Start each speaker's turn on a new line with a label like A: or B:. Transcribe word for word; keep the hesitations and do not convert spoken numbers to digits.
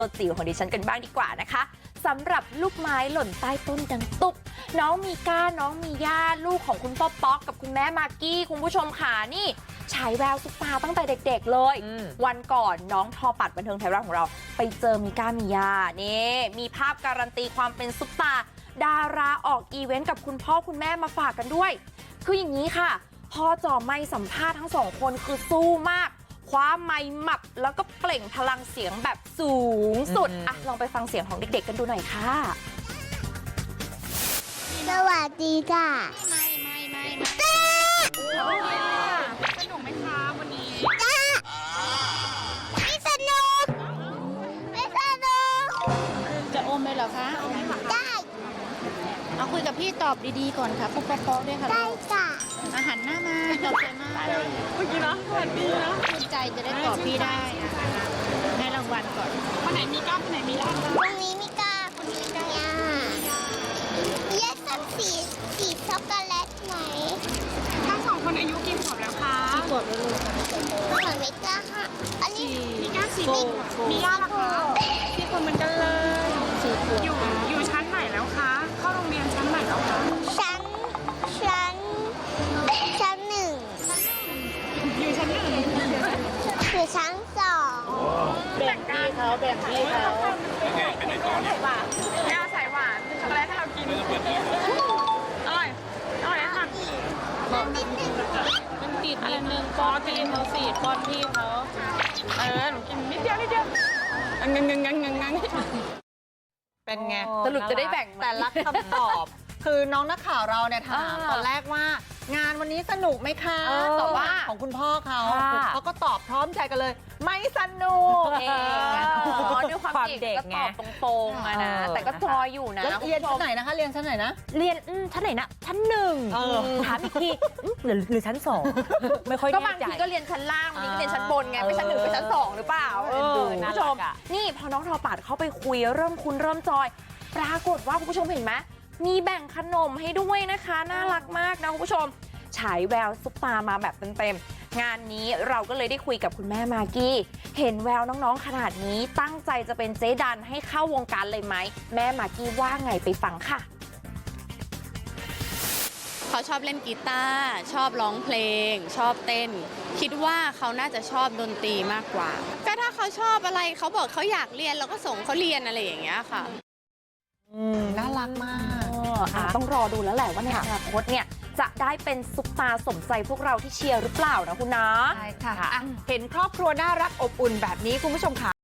A: ตัวจิ๋วของดิฉันกันบ้างดีกว่านะคะสำหรับลูกไม้หล่นใต้ต้นดังตุ๊บน้องมีก้าน้องมีย่าลูกของคุณพ่อป๊อกกับคุณแม่มากกี้คุณผู้ชมค่ะนี่ฉายแววซุปตาตั้งแต่เด็กๆเลยวันก่อนน้องทอปัดบันเทิงไทยรัฐของเราไปเจอมีก้ามีย่านี่มีภาพการันตีความเป็นซุปตาดาราออกอีเวนต์กับคุณพ่อคุณแม่มาฝากกันด้วยคืออย่างนี้ค่ะพอจ่อไมค์สัมภาษณ์ทั้งสองคนคือสู้มากคว้าไมค์หมับแล้วก็เปล่งพลังเสียงแบบสูงสุดอ่ะลองไปฟังเสียงของเด็กๆกันดูหน่อยค่ะ
B: สวัสดีค่ะ
C: ไม่ไม่ไม่ไม่สนุกไหมคะวันนี้
B: ไม่สนุกไม่สนุก
C: จะอมเลยเหรอคะ
B: ได้
C: เอาคุยกับพี่ตอบดีๆก่อนค่ะปุ๊บป๊อกๆด้วยค่ะ
B: ได้ค่ะ
C: อาหารหน้ามาตอบใจมากเมื่อกี้นะสวัสดีนะชื่นใจจะได้ตอบพี่ได้ให้รางวัลก่อนวันไหนมีก้าวันไหนมีย่า
B: วันนี้มีกาคนนี้มียาเยสสันสีสีช็อกโกแลตไหม
D: ทั้งสองคนอายุกี่ขวบแล้วคะ
C: กี่ขวบแล้วลูก
B: เหมือนไม่กล้าค่ะอันนี้
D: มีก้าสี่ขวบมีย่าล่ะคะสี่ขวบเหมือนกันเลยอยู่อยู่ชั้นไหนแล้วคะเข้าโรงเรียนชั้นไหนแล้วคะ
B: ชั้นชั้นชั้นหนึ่ง
D: อยู่ชั้นหนึ่ง
B: คือชั้นสอง
C: แบ่งพี่เขาแบ่งพี่เขา
D: ย่าใส่หวานช็อกโกแลตให้เรากินอร่อยอร่อยค่ะ
B: มันนิดนึง
C: มันติดนิดนึงป้อนพี่เขาสิป้อนพี่เขา
D: เออหนูกินนิดเดียวนิดเดียวงังงังงังงังงัง
E: เป็นไง
A: สรุปจะได้แบ่งไหม
E: แต่ละคำตอบ คือน้องนักข่าวเราเนี่ยถาม
A: อ่า
E: ตอนแรกว่างานวันนี้สนุกไหมคะ
A: เออ
E: แต่ว่าของคุณพ่อเขา
A: ค่ะ
E: เขาก็ตอบพร้อมใจกันเลย ไม่สนุก
A: เองอะเนาะด้วยความเด็กก็ตอบตรงๆอะนะ
E: เออ
A: แต่ก็จอยอยู่นะ
E: แล้ว
A: คุณ
E: เรียน
A: ผู้ช
E: ชั้น
A: ม
E: ไหนนะคะ เรียนชั้นไหนนะ
F: เรียนอืมชั้นไหนนะชั้นหนึ่ง
E: เออ
F: ถามอีกทีอืมหรือหรือชั้นสองไม่ค่อย
A: ก็
F: แน่
A: บาง
F: ใจ
A: ทีก็เรียนชั้นล่างวันนี้ก็เรียนชั้นบนไง
F: เออ
A: ไปชั้นหนึ่งไปชั้นสองหรือเปล่าเออ
F: ดู
A: คุณ
F: น่า
A: ผู้ช
F: รั
A: ม
F: กอะ
A: นี่พอน้องทอปัดเข้าไปคุยเริ่มคุ้นเริ่มจอย ปรากฏว่าคุณผู้ชมเห็นไหมมีแบ่งขนมให้ด้วยนะคะน่ารักมากนะคุณผู้ชมฉายแววซุปตามาแบบเต็มๆงานนี้เราก็เลยได้คุยกับคุณแม่มากกี้เห็นแววน้องๆขนาดนี้ตั้งใจจะเป็นเจ๊ดันให้เข้าวงการเลยไหมแม่มากกี้ว่าไงไปฟังค่ะ
G: เขาชอบเล่นกีตาร์ชอบร้องเพลง ชอบเต้น คิดว่าเขาน่าจะชอบดนตรีมากกว่า ก็ถ้าเขาชอบอะไรเขาบอกเขาอยากเรียนเราก็ส่งเขาเรียนอะไรอย่างเงี้ยค่ะ
E: อืมน่ารักมาก
A: เอออ่ะต้องรอดูแล้วแหละว่าในอนาคตเนี่ยจะได้เป็นซุปตาสมใจพวกเราที่เชียร์หรือเปล่านะคุณนะ
E: ใช่ค่ะอ่ะ เห็นครอบครัวน่ารักอบอุ่นแบบนี้คุณผู้ชมค่ะ